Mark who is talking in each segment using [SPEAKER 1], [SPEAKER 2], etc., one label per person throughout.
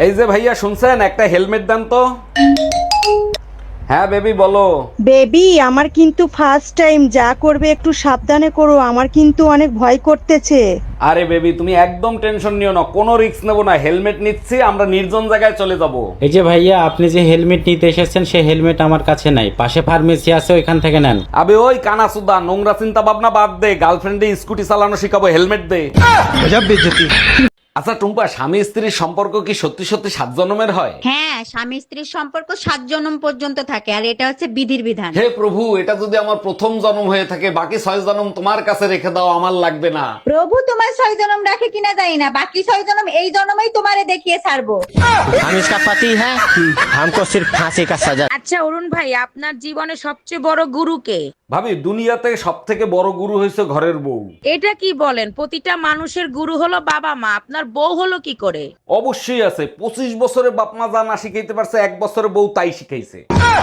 [SPEAKER 1] এই যে ভাইয়া শুনছেন, একটা হেলমেট দেন তো। হ্যাঁ বেবি বলো।
[SPEAKER 2] বেবি আমার কিন্তু ফার্স্ট টাইম, যা করবে একটু সাবধানে করো, আমার কিন্তু অনেক ভয় করতেছে।
[SPEAKER 1] আরে বেবি তুমি একদম টেনশন নিও না, কোনো রিস্ক নেবো না, হেলমেট নিচ্ছি, আমরা নির্জন জায়গায় চলে যাব।
[SPEAKER 3] এই যে ভাইয়া, আপনি যে হেলমেট নিতে এসেছেন সেই হেলমেট আমার কাছে নাই, পাশে ফার্মেসি আছে, ওইখান থেকে নেন।
[SPEAKER 1] আবে ওই কানাসুদা, নোংরা চিন্তা ভাবনা বাদ দে, গার্লফ্রেন্ডে স্কুটি চালানো শিখাবো, হেলমেট দে। আচ্ছা টুম্পা, স্বামী স্ত্রীর সম্পর্ক কি সত্যি সত্যি 7 জন্মের হয়?
[SPEAKER 4] হ্যাঁ, স্বামী স্ত্রীর সম্পর্ক 7 জন্ম পর্যন্ত থাকে, আর এটা হচ্ছে বিধির বিধান।
[SPEAKER 1] হে প্রভু, এটা যদি আমার প্রথম জন্ম হয়ে থাকে, বাকি 6 জন্ম তোমার কাছে রেখে দাও, আমার লাগবে না।
[SPEAKER 4] প্রভু তোমার 6 জন্ম রাখে কিনা জানি না, বাকি 6 জন্ম এই জন্মেই তোমারে দেখিয়ে ছাড়বো।
[SPEAKER 5] हम इसका पति है, हमको सिर्फ फांसी का सजा।
[SPEAKER 6] আচ্ছা অরুণ ভাই, আপনার জীবনে সবচেয়ে বড় গুরু কে?
[SPEAKER 1] ভাবি দুনিয়াতে সব থেকে বড় গুরু হয়েছে ঘরের বউ।
[SPEAKER 6] এটা কি বলেন? প্রতিটা মানুষের গুরু হলো বাবা মা, আপনার বউ হলো কি করে?
[SPEAKER 1] অবশ্যই আছে, 25 বছরে বাপ মা যা না শিখাইতে পারছে, 1 বছরে বউ তাই শিখাইছে।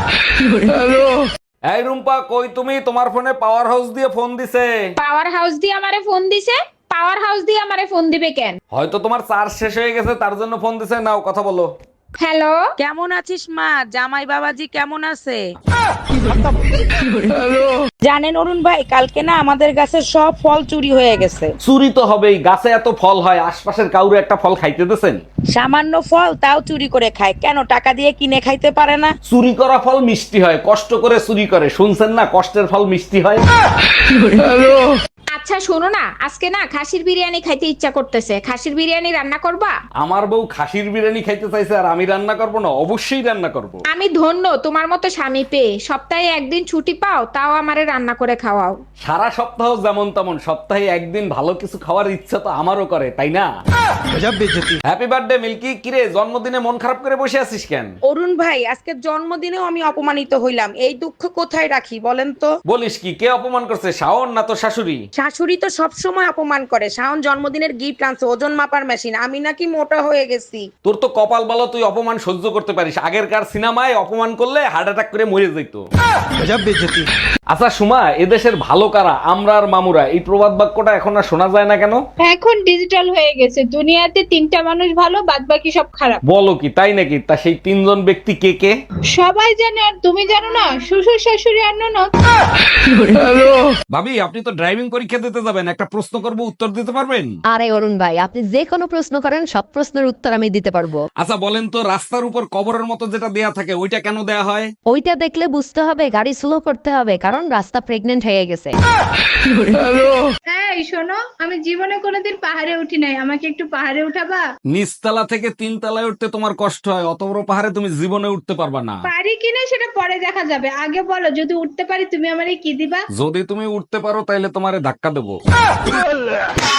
[SPEAKER 1] এই রুম্পা কই তুমি? তোমার ফোনে পাওয়ার হাউস দিয়ে ফোন দিছে।
[SPEAKER 7] পাওয়ার হাউস দিয়ে আমারে ফোন দিছে? পাওয়ার হাউস দিয়ে আমারে ফোন দিবে কেন?
[SPEAKER 1] হয়তো তোমার চার্জ শেষ হয়ে গেছে, তার জন্য ফোন দিছে। নাও কথা বলো।
[SPEAKER 7] হ্যালো,
[SPEAKER 6] কেমন আছিস মা? জামাই বাবাজি কেমন আছে? জানেন অরুণ ভাই, কালকে না আমাদের গাছের সব ফল চুরি হয়ে গেছে।
[SPEAKER 1] চুরি তো হবেই, গাছে এত ফল হয়, আশপাশের কাউরে একটা ফল খাইতে দিছেন?
[SPEAKER 6] সামান্য ফল তাও চুরি করে খায়, কেন টাকা দিয়ে কিনে খাইতে পারে না?
[SPEAKER 1] চুরি করা ফল মিষ্টি হয়, কষ্ট করে চুরি করে, শুনছেন না কষ্টের ফল মিষ্টি হয়।
[SPEAKER 7] আচ্ছা শোনো না, আজকে না খাসির বিরিয়ানি খাইতে ইচ্ছা করতেছে, খাসির বিরিয়ানি রান্না করবা?
[SPEAKER 1] আমার বউ খাসির বিরিয়ানি খাইতে চাইছে আর আমি রান্না করব না? অবশ্যই রান্না করব।
[SPEAKER 7] আমি ধন্য তোমার মতো স্বামী পেয়ে, সপ্তাহে একদিন ছুটি পাও তাও আমারে রান্না করে খাওয়াও।
[SPEAKER 1] সারা সপ্তাহ যেমন তেমন, সপ্তাহে একদিন ভালো কিছু খাওয়ার ইচ্ছা তো আমারও করে, তাই না? Happy birthday Milky. কিরে জন্মদিনে মন খারাপ করে বসে আছিস কেন?
[SPEAKER 6] অরুণ ভাই, আজকে জন্মদিনেও আমি অপমানিত হইলাম, এই দুঃখ কোথায় রাখি বলেন তো?
[SPEAKER 1] বলিস কি, কে অপমান করছে? শাওন না তো শাশুড়ি?
[SPEAKER 6] শাশুড়ি তো সব সময় অপমান করে। শাওন জন্মদিনের গিফট আনছে, ওজন মাপার মেশিন, আমি নাকি মোটা হয়ে গেছি।
[SPEAKER 1] তোর তো কপাল ভালো, তুই অপমান সহ্য করতে পারিস। আগেরকার সিনেমায় অপমান করলে হার্ট অ্যাটাক করে মরে যেত। আচ্ছা সুমা, এদেশের ভালো কারা, আমরা আর মামুরা, এই প্রবাদ বাক্যটা এখন আর শোনা যায় না কেন?
[SPEAKER 7] এখন ডিজিটাল হয়ে গেছে, দুনিয়াতে 3টা মানুষ ভালো, বাদ বাকি সব খারাপ।
[SPEAKER 1] বলো কি, তাই নাকি? তা সেই 3 জন ব্যক্তি কে কে?
[SPEAKER 7] সবাই জানে আর তুমি জানো না? শ্বশুর শাশুড়ি আর ননদ।
[SPEAKER 1] ভাবি আপনি তো ড্রাইভিং পরীক্ষা দিতে যাবেন, একটা প্রশ্ন করব, উত্তর দিতে পারবেন?
[SPEAKER 8] আরে অরুণ ভাই, আপনি যে কোনো প্রশ্ন করেন, সব প্রশ্নের উত্তর আমি দিতে পারবো।
[SPEAKER 1] আচ্ছা বলেন তো, রাস্তার উপর কবরের মতো যেটা দেয়া থাকে, ওইটা কেন দেয়া হয়?
[SPEAKER 8] ওইটা দেখলে বুঝতে হবে গাড়ি স্লো করতে হবে, কারণ রাস্তা প্রেগনেন্ট হয়ে গেছে।
[SPEAKER 7] এই শোনো, আমি জীবনে কোনোদিন পাহাড়ে উঠি নাই, আমাকে একটু পাহাড়ে উঠাবা?
[SPEAKER 1] নিচতলা থেকে 3 তলায় উঠতে তোমার কষ্ট হয়, অত বড় পাহাড়ে তুমি জীবনে উঠতে পারবা না।
[SPEAKER 7] পারি কিনা সেটা পরে দেখা যাবে, আগে বলো যদি উঠতে পারি তুমি আমারে কি দিবা?
[SPEAKER 1] যদি তুমি উঠতে পারো তাইলে তোমারে ধাক্কা দেবো।